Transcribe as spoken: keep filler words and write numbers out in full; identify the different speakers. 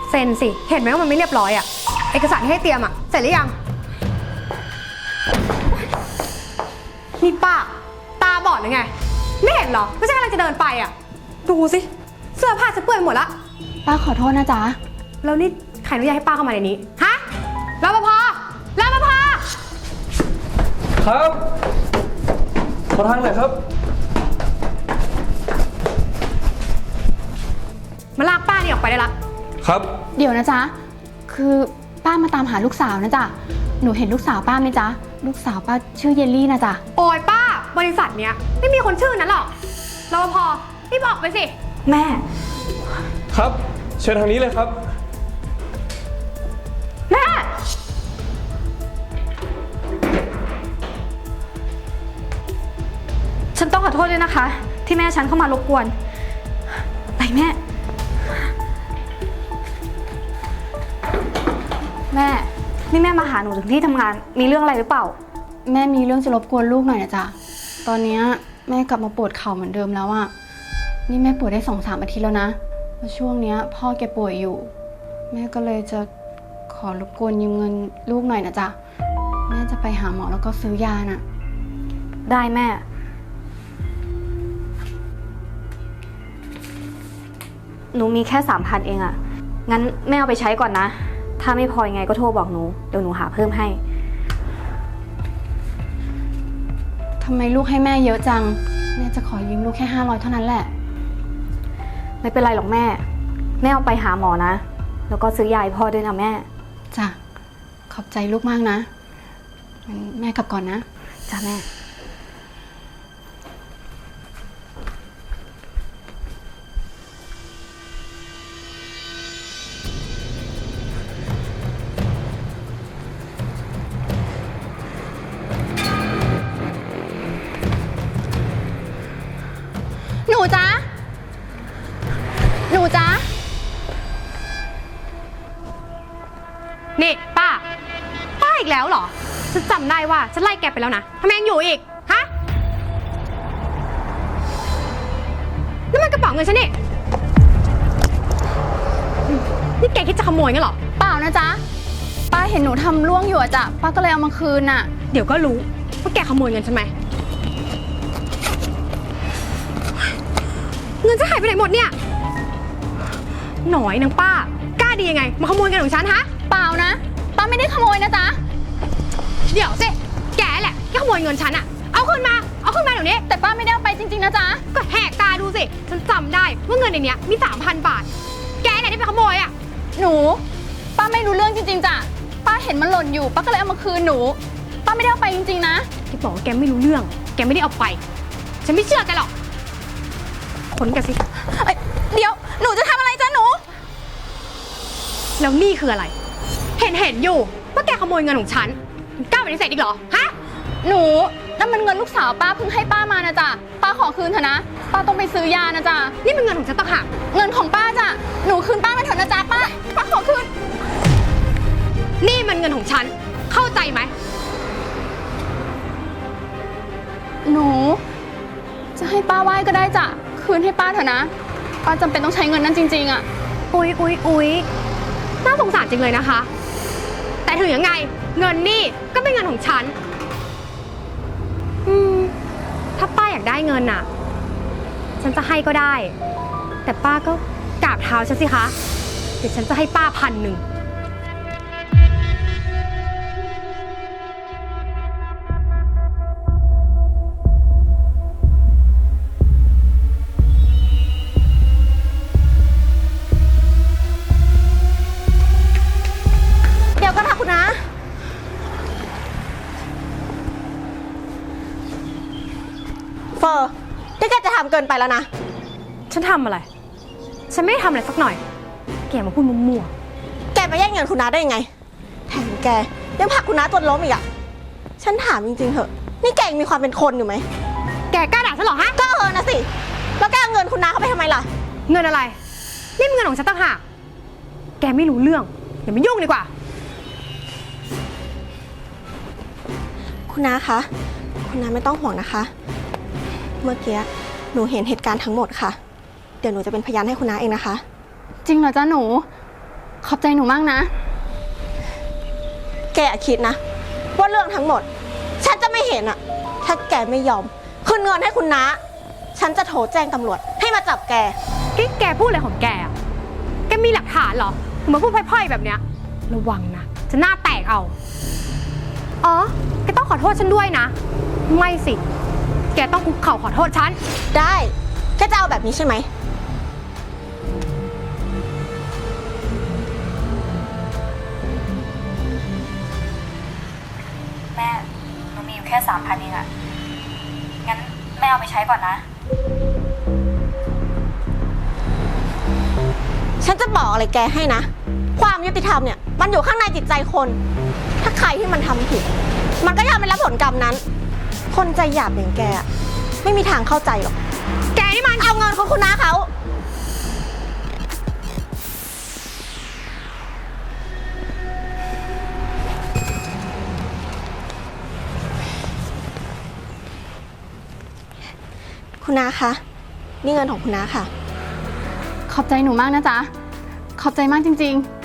Speaker 1: เซ็นสิเห็นไหมว่ามันไม่เรียบร้อยอะเอกสารที่ให้เตรียมอะเสร็จหรือยังนี่ป้าตาบอดหรือไงไม่เห็นเหรอไม่ใช่กำลังจะเดินไปอะดูสิเสื้อผ้าฉันเปื้อนหมดละ
Speaker 2: ป้าขอโทษนะจ๊ะ
Speaker 1: แล้วนี่ใครอนุญาตให้ป้าเข้ามาในนี้ฮะรปภรปภ
Speaker 3: ครับขอทางหน่อยครับ
Speaker 1: มาลากป้านี่ออกไปได้ละ
Speaker 3: ครับ
Speaker 2: เดี๋ยวนะจ๊ะคือป้ามาตามหาลูกสาวนะจ๊ะหนูเห็นลูกสาวป้าไหมจ๊ะลูกสาวป้าชื่อเยลลี่นะจ๊ะ
Speaker 1: โอ้ยป้าบริษัทเนี้ยไม่มีคนชื่อนั้นหรอกรปภรีบออกไปสิ
Speaker 2: แม่
Speaker 3: ครับเชิญทางนี้เลยครับ
Speaker 1: แม่
Speaker 2: ฉันต้องขอโทษด้วยนะคะที่แม่ฉันเข้ามารบกวนไปแม่แม่นี่แม่มาหาหนูถึงที่ทำงานมีเรื่องอะไรหรือเปล่าแม่มีเรื่องจะรบกวนลูกหน่อยนะจ๊ะตอนนี้แม่กลับมาปวดเข่าเหมือนเดิมแล้วอะนี่แม่ปวดได้สองสามอาทิตย์แล้วนะแล้วช่วงนี้พ่อแกป่วยอยู่แม่ก็เลยจะขอรบกวนยืมเงินลูกหน่อยนะจ๊ะแม่จะไปหาหมอแล้วก็ซื้อยาน่ะได้แม่หนูมีแค่สามพันเองอะงั้นแม่เอาไปใช้ก่อนนะถ้าไม่พอยังไงก็โทรบอกหนูเดี๋ยวหนูหาเพิ่มให้ทำไมลูกให้แม่เยอะจังแม่จะขอยืมลูกแค่ห้าร้อยเท่านั้นแหละไม่เป็นไรหรอกแม่แม่เอาไปหาหมอนะแล้วก็ซื้อยาให้พ่อด้วยนะแม่จ้ะขอบใจลูกมากนะงั้นแม่กลับก่อนนะจ้ะแม่หนูจ๊ะหนูจ๊ะ
Speaker 1: นี่ป้าป้าอีกแล้วเหรอฉันจำได้ว่าฉันไล่แกไปแล้วนะทำไมยังอยู่อีกฮะนั่นมันกระเป๋าเงินฉันนี่นี่แกคิดจะขโมยงั้นเหรอ
Speaker 2: เปล่านะจ๊ะป้าเห็นหนูทำล่วงอยู่อะจ๊ะป้าก็เลยเอามาคืนน่ะ
Speaker 1: เดี๋ยวก็รู้ว่าแกขโมยเงินฉันไหมเงินจะหายไปไหนหมดเนี่ยหน่อยนางป้ากล้าดียังไงมาขโมยเงินของฉันฮะ
Speaker 2: เปล่านะป้าไม่ได้ขโมยนะจ๊ะ
Speaker 1: เดี๋ยวสิแกแหละที่ขโมยเงินฉันอะเอาขึ้นมาเอาขึ้นมาเดี๋ยวนี้
Speaker 2: แต่ป้าไม่ได้เอาไปจริงๆนะจ๊ะ
Speaker 1: ก็แหกตาดูสิฉันจำได้ว่าเงินในเนี้ยมีสามพันบาทแกไหนที่ไปขโมยอะ
Speaker 2: หนูป้าไม่รู้เรื่องจริงๆจ้ะป้าเห็นมันหล่นอยู่ป้าก็เลยเอามาคืนหนูป้าไม่ได้เอาไปจริงๆนะ
Speaker 1: ที่บอกว่าแกไม่รู้เรื่องแกไม่ได้เอาไปฉันไม่เชื่อแกหรอกขนแกสิ
Speaker 2: เดี๋ยวหนูจะทำอะไรจ๊ะหนู
Speaker 1: แล้วนี่คืออะไรเห็นเห็นอยู่ว่าแกขโมยเงินของฉันกล้าปฏิเสธอีกเหรอฮะ
Speaker 2: หนูนั่นมันเงินลูกสาวป้าเพิ่งให้ป้ามานะจ๊ะป้าขอคืนเถอะนะป้าต้องไปซื้อยานะจ๊ะ
Speaker 1: นี่เป็นเงินของฉันต่างหาก
Speaker 2: เงินของป้าจ้ะหนูคืนป้ามาเถอะนะจ๊ะป้าป้าขอคืน
Speaker 1: นี่มันเงินของฉันเข้าใจไหม
Speaker 2: หนูจะให้ป้าไหว้ก็ได้จ้ะคืนให้ป้าเถอะนะป้าจำเป็นต้องใช้เงินนั้นจริงๆอ่ะ
Speaker 1: อุ๊ยอุ๊ยอุ๊ยน่าสงสารจริงเลยนะคะแต่ถึงยังไงเงินนี่ก็เป็นเงินของฉันอืมถ้าป้าอยากได้เงินน่ะฉันจะให้ก็ได้แต่ป้าก็กราบเท้าฉันสิคะเดี๋ยวฉันจะให้ป้าพันหนึ่ง
Speaker 4: เฟอร์ที่แกจะทำเกินไปแล้วนะ
Speaker 1: ฉันทำอะไรฉันไม่ได้ทำอะไรสักหน่อยแกมาพูดมั่ว
Speaker 4: ๆแกมาแย่งเงินคุณน้าได้ยังไงแถมแกยังผลักคุณน้าจนล้มอีกอ่ะฉันถามจริงๆเถอะนี่แกมีความเป็นคนอยู่ไหม
Speaker 1: แกกล้าด่าฉันเหรอฮะ
Speaker 4: ก็เออนะสิแล้วแกเอาเงินคุณน้าเขาไปทำไมล่ะ
Speaker 1: เงินอะไรนี่มันเงินของฉันต่างหากแกไม่รู้เรื่องอย่ามายุ่งดีกว่า
Speaker 4: คุณน้าคะคุณน้าไม่ต้องห่วงนะคะเมื่อกี้หนูเห็นเหตุการณ์ทั้งหมดค่ะเดี๋ยวหนูจะเป็นพยานให้คุณน้าเองนะคะ
Speaker 2: จริงเหรอจ๊ะหนูขอบใจหนูมากนะ
Speaker 4: แกอย่าคิดนะ ว่าเรื่องทั้งหมด ฉันจะไม่เห็นอะถ้าแกไม่ยอมคืนเงินให้คุณน้า ฉันจะโทรแจ้งตำรวจให้มาจับแก
Speaker 1: กิ๊กแกพูดอะไรของแกอะแกมีหลักฐานเหรอถึงมาพูดพร่อยๆแบบเนี้ย ระวังนะ จะหน้าแตกเอา อ๋อ แกต้องขอโทษฉันด้วยนะ ไม่สิ แกต้องคุกเข่าขอโทษฉัน
Speaker 4: ได้ แกจะเอาแบบนี้ใช่ไหม
Speaker 5: แม่หนูมีอยู่แค่สามพันเองอะงั้นแม่เอาไปใช้ก่อนนะ
Speaker 4: ฉันจะบอกอะไรแกให้นะ ความยุติธรรมเนี่ย มันอยู่ข้างในจิตใจคน ถ้าใครที่มันทำผิด มันก็ยอมไปรับผลกรรมนั้น คนใจหยาบอย่างแกอะไม่มีทางเข้าใจหรอก
Speaker 1: แกนี่มัน
Speaker 4: เอาเงินของคุณน้าเขา คุณน้าคะ นี่เงินของคุณน้าค่ะ
Speaker 2: ขอบใจหนูมากนะจ๊ะ ขอบใจมากจริงๆ